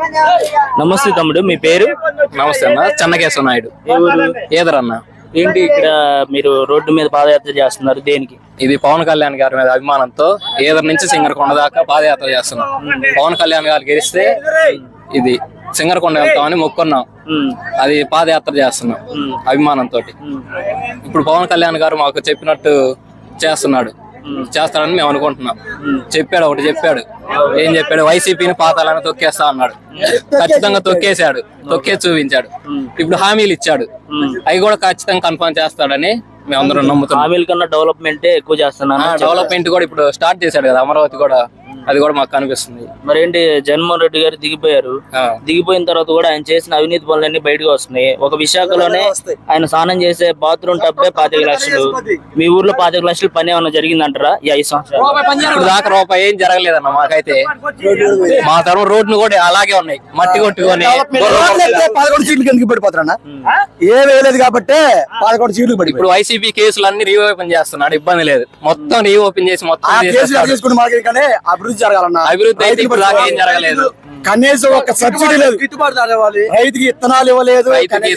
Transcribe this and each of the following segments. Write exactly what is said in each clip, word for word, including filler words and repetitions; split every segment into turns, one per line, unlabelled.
నమస్తే తమ్ముడు, మీ పేరు?
నమస్తే అన్న, చెన్నకేశ్వర నాయుడు. ఏదరన్న.
ఏంటి ఇక్కడ మీరు రోడ్డు మీద పాదయాత్ర చేస్తున్నారు, దేనికి?
ఇది పవన్ కళ్యాణ్ గారి మీద అభిమానంతో ఏదర్ నుంచి సింగరకొండ దాకా పాదయాత్ర చేస్తున్నాం. పవన్ కళ్యాణ్ గారు గెలిస్తే ఇది సింగరకొండ వెళ్తామని మొక్కున్నాం, అది పాదయాత్ర చేస్తున్నాం అభిమానంతో. ఇప్పుడు పవన్ కళ్యాణ్ గారు మాకు చెప్పినట్టు చేస్తున్నాడు, చేస్తాడని మేము అనుకుంటున్నాం. చెప్పాడు, ఒకటి చెప్పాడు. ఏం చెప్పాడు? వైసీపీని పాతాలని తొక్కేస్తా అన్నాడు. ఖచ్చితంగా తొక్కేశాడు, తొక్కేసి చూపించాడు. ఇప్పుడు హామీలు ఇచ్చాడు, అవి కూడా ఖచ్చితంగా కన్ఫర్మ్ చేస్తాడని మేము అందరం నమ్ముతున్నాం.
హామీల కన్నా డెవలప్మెంట్ ఎక్కువ చేస్తున్నాను.
డెవలప్మెంట్ కూడా ఇప్పుడు స్టార్ట్ చేశాడు కదా, అమరావతి కూడా, అది కూడా మాకు కనిపిస్తుంది.
మరి ఏంటి, జగన్మోహన్ రెడ్డి గారు దిగిపోయారు, దిగిపోయిన తర్వాత కూడా ఆయన చేసిన అవినీతి పనులన్నీ బయటకు వస్తున్నాయి. ఒక విశాఖలోనే ఆయన స్నానం చేసే బాత్రూమ్ టబ్బే పాతిక లక్షలు. మీ ఊర్లో పాతిక లక్షలు పని ఏమన్నా జరిగిందంటారా ఈ ఐదు సంవత్సరాలు?
ఇప్పుడు దాకా రూపాయి ఏం జరగలేదన్న మాకైతే. మా తరం రోడ్లు కూడా అలాగే ఉన్నాయి, మట్టి కొట్టుకొని.
పదకొండు సీట్లు ఎందుకు పడిపోతారన్నా? ఏ వేయలేదు కాబట్టి పదకొండు సీట్లు పడి.
ఇప్పుడు వైసీపీ కేసులు అన్ని రీఓపెన్ చేస్తున్నాడు, ఇబ్బంది లేదు. మొత్తం రీఓపెన్ చేసి మొత్తం
అభివృద్ధి జరగాలన్నా.
అభివృద్ధి అయితే ఇప్పుడు దాకా ఏం జరగలేదు.
కనీసం ఒక సబ్సిడీ లేదు, రైతుకి విత్తనాలు ఇవ్వలేదు.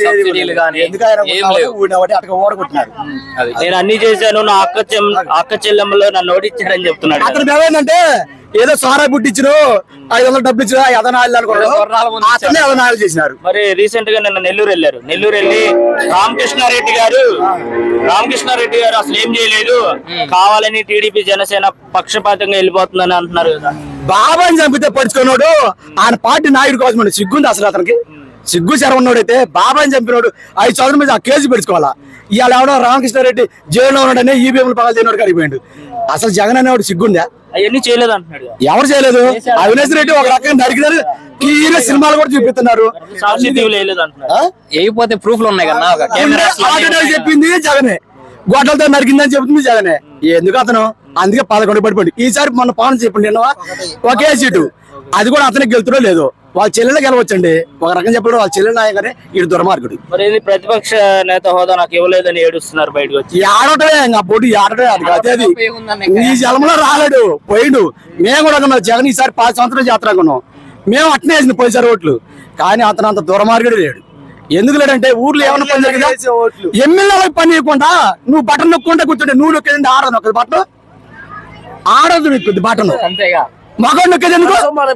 నేను అన్ని చేశాను, నా అక్క అక్క చెల్లెమ్మలో నన్ను ఓడించారని చెప్తున్నాడు.
అతను ఏమైందంటే ఏదో సారా బుట్టిచ్చిన ఐదు వందలు డబ్బులు ఇచ్చిన అదనాలు అతనే అదనాలు చేసినారు.
మరి రీసెంట్ గా నిన్న నెల్లూరు వెళ్ళారు. నెల్లూరు వెళ్ళి రామకృష్ణారెడ్డి గారు రామకృష్ణారెడ్డి గారు అసలు ఏం చేయలేదు, కావాలని టీడీపీ జనసేన పక్షపాతంగా వెళ్ళిపోతుందని అంటున్నారు కదా.
బాబాని చంపితే పడుచుకున్నాడు, ఆయన పార్టీ నాయకుడు కోసం సిగ్గుంది అసలు అతనికి. సిగ్గు శరవన్నోడైతే బాబాని చంపినోడు ఐదు సంవత్సరం మీద ఆ కేసు పెట్టుకోవాలా. ఇవాళ ఎవడో రామకృష్ణారెడ్డి జైల్లో ఉన్నాడని ఈవీఎంలు పగలు చేయనోడు కడిపోయాడు. అసలు జగన్ అనేవాడు సిగ్గుందా?
అవన్నీ చేయలేదు అంటున్నాడు.
ఎవరు చేయలేదు? అవినాష్ రెడ్డి ఒక రకంగా నడికినారు, క్లియర్ సినిమాలు కూడా చూపిస్తున్నారు.
అయిపోతే ప్రూఫ్లు ఉన్నాయి కదా.
చెప్పింది జగనే, గొడ్డలతో నరికిందని చెప్తుంది జగనే. ఎందుకు అతను? అందుకే పదకొండు పడిపోయింది. ఈసారి మన పవన్ చెప్పండి, నిన్న ఒకే సీటు, అది కూడా అతనికి గెలుతుడో లేదు. వాళ్ళ చెల్లెలు గెలవచ్చండి, ఒక రకం చెప్పడం వాళ్ళ చెల్లెలు నాయకనే ఇటు దుర్మార్గుడు.
మరి ప్రతిపక్ష నేత హోదా నాకు ఇవ్వలేదని ఏడుస్తున్నారు బయటకు వచ్చి.
ఆడటమే ఇంకా పోటీ ఆడటమే, అది అదేది ఈ జలంలో రాలేడు పోయిండు. మేము కూడా ఉన్నాం జగన్ ఈసారి పాతి సంవత్సరాలు జాతర కొన్నాం, మేము అట్నే వేసింది పోయిసారి ఓట్లు. కానీ అతను అంత దుర్మార్గుడు లేడు. ఎందుకు లేడంటే ఊర్లో ఏమన్నా పని జరిగిందా? ఎమ్మెల్యేలకు పని ఇవ్వకుండా నువ్వు బటన్ నొక్కుంటే కూర్చుంటే నువ్వు నొక్కేది ఆడదు, నొక్కదు బట్టను ఆడదు, నొక్కుద్ది బటన్ మగడు నొక్కేది ఎందుకు?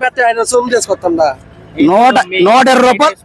నూట నూట ఇరవై రూపాయలు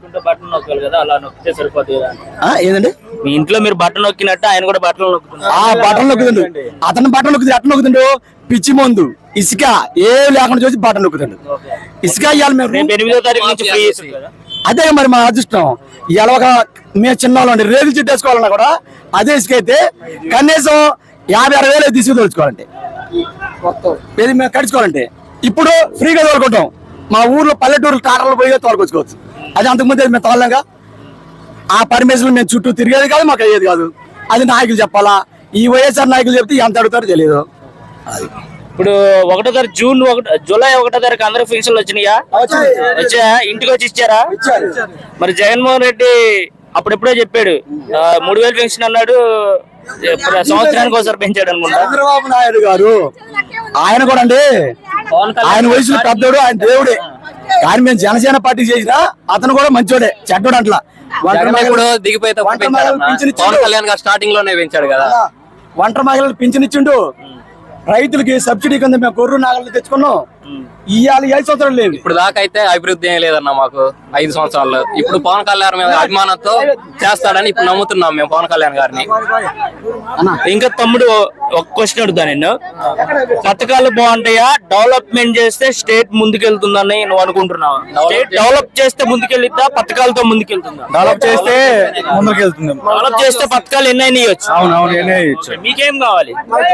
ఏదండి?
మీ ఇంట్లో మీరు బట్టలు నొక్కినట్టు ఆయన కూడా బట్టలు నొక్కుతున్నారు.
ఆ బట్టలు నొక్కుతుండు, అతను బట్టలు నొక్కుతుంది. అట్లా నొక్కుతుండు పిచ్చి మందు ఇసుక ఏ లేకుండా చూసి బట్టలు నొక్కుతుండు. ఇసుక ఇవ్వాలి మేము
ఎనిమిదో తారీఖు నుంచి ఫ్రీ.
అదే మరి మా అదృష్టం. ఇలా ఒక మేము చిన్న రేగులు చెట్టు వేసుకోవాలన్నా కూడా అదే ఇసుక అయితే కనీసం యాభై అరవై వేలు తీసుకు తోలుచుకోవాలంటే, ఇది మేము కడుచుకోవాలంటే. ఇప్పుడు ఫ్రీగా తోలుకుంటాం. మా ఊర్లో పల్లెటూరు టాటర్లు పోయి తోలుకొచ్చుకోవచ్చు. అది అంతకుముందు మేము తోలలేగా. ఆ పర్మిషన్ మేము చుట్టూ తిరిగేది కాదు, మాకు అయ్యేది కాదు. అది నాయకులు చెప్పాలా. ఈ వైఎస్ఆర్ నాయకులు చెప్తే ఎంత అడుగుతారో తెలియదు. అది
ఇప్పుడు ఒకటో తారీఖు జూన్ ఒకటి జూలై ఒకటో తారీఖు అందరూ పెన్షన్లు వచ్చినాయా? వచ్చా? ఇంటికి వచ్చి ఇచ్చారా? మరి జగన్మోహన్ రెడ్డి అప్పుడెప్పుడో చెప్పాడు మూడు వేలు పెన్షన్ అన్నాడు, సంవత్సరానికి ఒకసారి పెంచాడు అనుకుంటా.
చంద్రబాబు నాయుడు గారు ఆయన కూడా అండి, ఆయన వయసులో పెద్దోడు, ఆయన దేవుడే. కానీ మేము జనసేన పార్టీ చేసినా అతను కూడా మంచోడే, చెడ్డోడు అట్లా.
దిగిపోతే పవన్ కళ్యాణ్ గారు స్టార్టింగ్ లోనే పెంచాడు కదా.
ఒంటరి మహిళలకు పింఛన్ ఇచ్చిండు, రైతులకి సబ్సిడీ కింద మేము గొర్రె నాగలు తెచ్చుకున్నాం. ఇవాళ ఐదు సంవత్సరాలు లేదు.
ఇప్పుడు దాకా అయితే అభివృద్ధి ఏం లేదన్న మాకు ఐదు సంవత్సరాల్లో. ఇప్పుడు పవన్ కళ్యాణ్ మీద అభిమానంతో చేస్తాడని ఇప్పుడు నమ్ముతున్నాం మేము పవన్ కళ్యాణ్ గారిని.
ఇంకా తమ్ముడు ఒక క్వశ్చన్ అడుగుతా, నేను పథకాలు బాగుంటాయా, డెవలప్మెంట్ చేస్తే స్టేట్ ముందుకెళ్తుందని నువ్వు అనుకుంటున్నావా? స్టేట్ డెవలప్ చేస్తే ముందుకెళ్తా, పథకాలతో ముందుకెళ్తుందా?
డెవలప్ చేస్తే ముందుకెళ్తుంది.
డెవలప్ చేస్తే పథకాలు ఎన్నైనా ఇవ్వచ్చు.
అవునవును, ఎన్నైనా ఇవ్వచ్చు.
మీకేం కావాలి?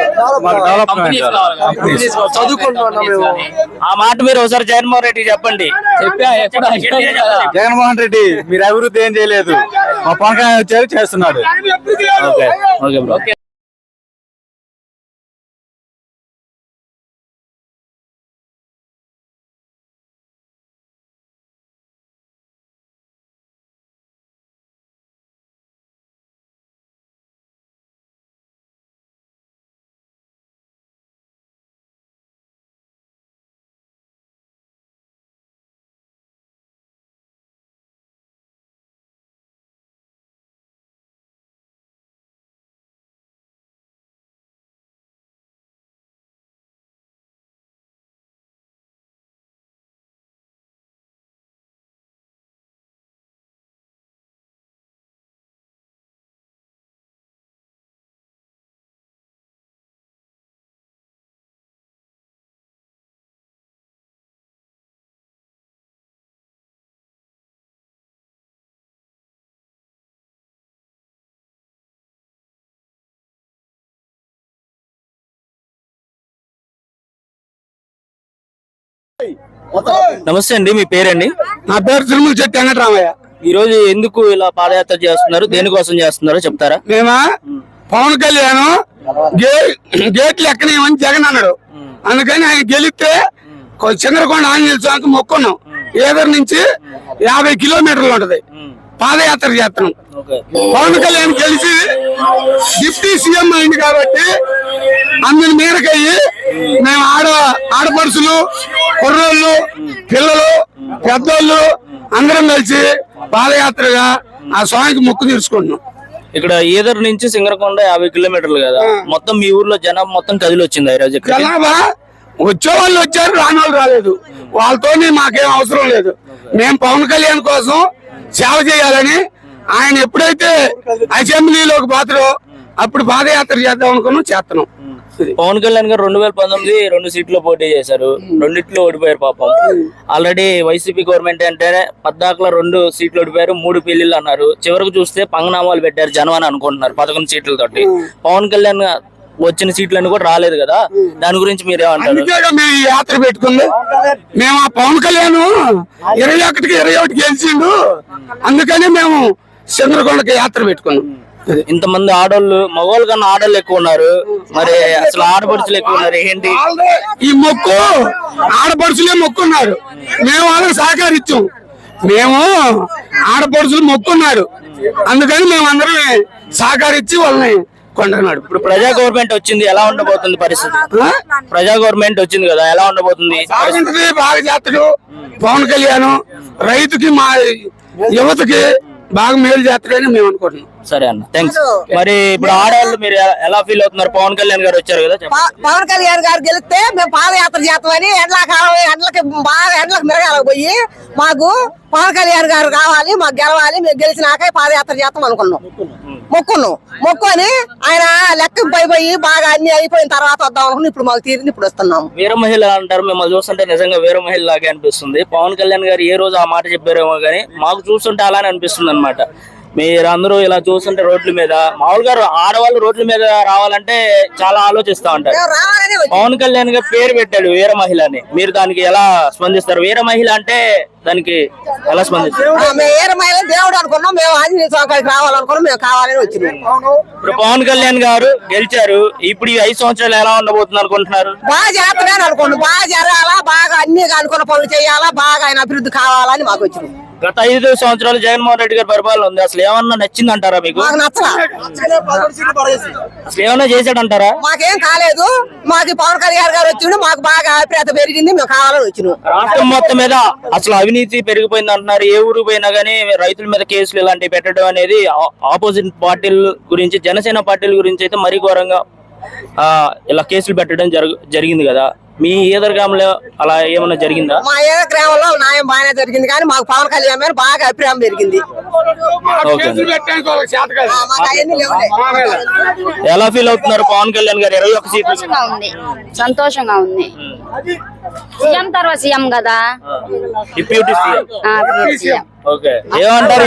ఆ మాట మీరు ఒకసారి జగన్మోహన్ రెడ్డి చెప్పండి.
జగన్మోహన్ రెడ్డి మీరు అభివృద్ధి ఏం చేయలేదు, మా పవన్ కళ్యాణ్ వచ్చారు చేస్తున్నాడు.
ఓకే. నమస్తే అండి, మీ పేరండి?
నా పేరు తిరుమల చెట్టు వెంకటరామయ్య.
ఈ రోజు ఎందుకు ఇలా పాదయాత్ర చేస్తున్నారు, దేనికోసం చేస్తున్నారో చెప్తారా?
మేమా పవన్ కళ్యాణ్ గే- గేట్లు ఎక్కనేమని జగన్ అన్నాడు, అందుకని ఆయన గెలిస్తే చంద్రకొండ ఆంజనేయ స్వామికి మొక్కున్నాం. ఏదర్ నుంచి యాభై కిలోమీటర్లు ఉంటది, పాదయాత్ర చేస్తున్నాం. పవన్ కళ్యాణ్ గెలిచి డిప్యూటీ సీఎం అయింది కాబట్టి అందరి మేరకయ్యి మేము ఆడ ఆడపడుచులు, కుర్రోళ్ళు, పిల్లలు, పెద్దోళ్ళు అందరం కలిసి పాదయాత్రగా ఆ స్వామికి మొక్కు తీర్చుకుంటున్నాం.
ఇక్కడ ఈదర్ నుంచి సింగరకొండ యాభై కిలోమీటర్లు కదా, మొత్తం మీ ఊర్లో జనం మొత్తం కదిలి వచ్చింది ఈ రోజు.
జనాభా వచ్చే వాళ్ళు వచ్చారు, రాని వాళ్ళు రాలేదు. వాళ్ళతోనే మాకేం అవసరం లేదు. మేము పవన్ కళ్యాణ్ కోసం సేవ చేయాలని ఆయన ఎప్పుడైతే అసెంబ్లీలోకి పోతారో అప్పుడు పాదయాత్ర చేద్దాం అనుకున్నాం, చేస్తున్నాం.
పవన్ కళ్యాణ్ గారు రెండు వేల పంతొమ్మిది రెండు సీట్లు పోటీ చేశారు, రెండిట్లో ఓడిపోయారు పాపం. ఆల్రెడీ వైసీపీ గవర్నమెంట్ అంటేనే పద్దాకలో రెండు సీట్లు ఓడిపోయారు, మూడు పెళ్లిళ్ళు అన్నారు. చివరికి చూస్తే పంగనామాలు పెట్టారు జనం అని అనుకుంటున్నారు పదకొండు సీట్లతోటి. పవన్ కళ్యాణ్ వచ్చిన సీట్లన్నీ కూడా రాలేదు కదా, దాని గురించి మీరేమంటారు?
అందుకే మేము ఈ యాత్ర పెట్టుకుంది. మేము ఆ పవన్ కళ్యాణ్ ఇరవై ఒకటికి ఇరవై ఒకటి గెలిచిండు, అందుకని మేము చంద్రకొండకి యాత్ర పెట్టుకున్నాం.
ఇంతమంది ఆడోళ్ళు, మగవాళ్ళు కన్నా ఆడోళ్ళు ఎక్కువ ఉన్నారు, మరి అసలు ఆడపడుచులు ఎక్కువ ఉన్నారు ఏంటి?
ఈ మొక్కు ఆడపడుచులే మొక్కున్నారు, మేము వాళ్ళకి సహకరించాం. మేము ఆడపడుచులు మొక్కున్నారు, అందుకని మేము అందరం సహకరించి వాళ్ళని కొండన్నాడు.
ఇప్పుడు ప్రజా గవర్నమెంట్ వచ్చింది, ఎలా ఉండబోతుంది పరిస్థితి? ప్రజా గవర్నమెంట్ వచ్చింది కదా, ఎలా ఉండబోతుంది?
బాగుంటది, బాగా చేస్తాడు పవన్ కళ్యాణ్. రైతుకి మా యువతకి బాగా మేలు చేస్తాడని మేము అనుకుంటున్నాం.
సరే అన్న, థ్యాంక్స్. మరి ఇప్పుడు ఆడవాళ్ళు మీరు ఎలా- ఎలా ఫీల్ అవుతున్నారు? పవన్ కళ్యాణ్ గారు వచ్చారు కదా, చెప్పండి.
ప- పవన్ కళ్యాణ్ గారు గెలిస్తే మేము పాదయాత్ర చేస్తామని ఎండ్లకాలం ఎండ్లకి బాగా ఎండ్లకు మిరగాలకు పోయి మాకు పవన్ కళ్యాణ్ గారు కావాలి, మాకు గెలవాలి, మేము గెలిచినాక పాదయాత్ర చేస్తాం అనుకున్నాం. మొక్కున్నాం. మొక్కుని ఆయన లెక్క పోయి బాగా అన్ని అయిపోయిన తర్వాత వద్దాం అనుకున్నాం. ఇప్పుడు మాకు తీరింది, ఇప్పుడు వస్తున్నాం.
వీర మహిళ అంటారు, మిమ్మల్ని చూస్తుంటే నిజంగా వీర మహిళ లాగే అనిపిస్తుంది. పవన్ కళ్యాణ్ గారు ఏ రోజు ఆ మాట చెప్పారేమో కానీ మాకు చూస్తుంటే అలానే అనిపిస్తుంది అనమాట. మీరు అందరూ ఇలా చూస్తుంటే రోడ్ల మీద, మామూలుగా ఆడవాళ్ళు రోడ్ల మీద రావాలంటే చాలా ఆలోచిస్తా ఉంటారు.
మేము రావాలని వచ్చి-
పవన్ కళ్యాణ్ గారు పేరు పెట్టాడు వీర మహిళ అని, మీరు దానికి ఎలా స్పందిస్తారు? వీర మహిళ అంటే దానికి ఎలా స్పందిస్తారు?
ఆ, మేము ఏరమైన దేవుడు అనుకున్నాం, మేము ఆంజనేయ స్వామి కాడికి రావాలనుకున్నాం, మేము కావాలని వచ్చినాం.
ఇప్పుడు పవన్ కళ్యాణ్ గారు గెలిచారు, ఇప్పుడు ఈ ఐదు సంవత్సరాలు ఎలా ఉండబోతుంది అనుకుంటున్నారు?
బాగా చేస్తానని అనుకున్నాం, బాగా జరగాలా, బాగా అన్ని అనుకున్న పనులు చేయాలా, బాగా ఆయన అభివృద్ధి కావాలని మాకు వచ్చినాం.
గత ఐదు సంవత్సరాలు జగన్మోహన్ రెడ్డి గారి పరిపాలన ఉంది, అసలు ఏమన్నా నచ్చిందంటారా మీకు?
మాకు నచ్చలా,
అసలు ఏమన్నా చేశాడంటారా?
మాకేం కాలేదు. మాకు పవన్ కళ్యాణ్ గారు వచ్చిండు, మాకు బాగా అభిప్రాయత పెరిగింది, మేము కావాలని వచ్చినాం.
రాష్ట్రం మొత్తం మీద అసలు అవినీతి పెరిగిపోయింది అంటున్నారు. ఏ ఊరు పోయినా గానీ రైతుల మీద కేసులు ఇలాంటివి పెట్టడం అనేది ఆ- ఆపోజిట్ పార్టీల గురించి, జనసేన పార్టీల గురించి అయితే మరీ ఘోరంగా ఆ ఇలా కేసులు పెట్టడం జరుగు జరిగింది కదా. మీ ఈదర్గాంలో అలా ఏమన్నా జరిగిందా?
మా ఏ గ్రామంలో న్యాయం బాగానే జరిగింది, కానీ మాకు పవన్ కళ్యాణ్ మీద బాగా అభిప్రాయం పెరిగింది.
ఓకే.
కేసులు పెట్టడానికి వాళ్ళకి చేత కాదు.
ఆ, మాకు అవన్నీ లేవులే.
ఎలా ఫీల్ అవుతున్నారు పవన్ కళ్యాణ్ గారు ఇరవై ఒక్క సీట్లు?
సంతోషంగా ఉంది, సంతోషంగా ఉంది. సీఎం తర్వాత సీఎం కదా,
డిప్యూటీ సీఎం.
ఆ, సీఎం.
ఓకే, ఏమంటారు?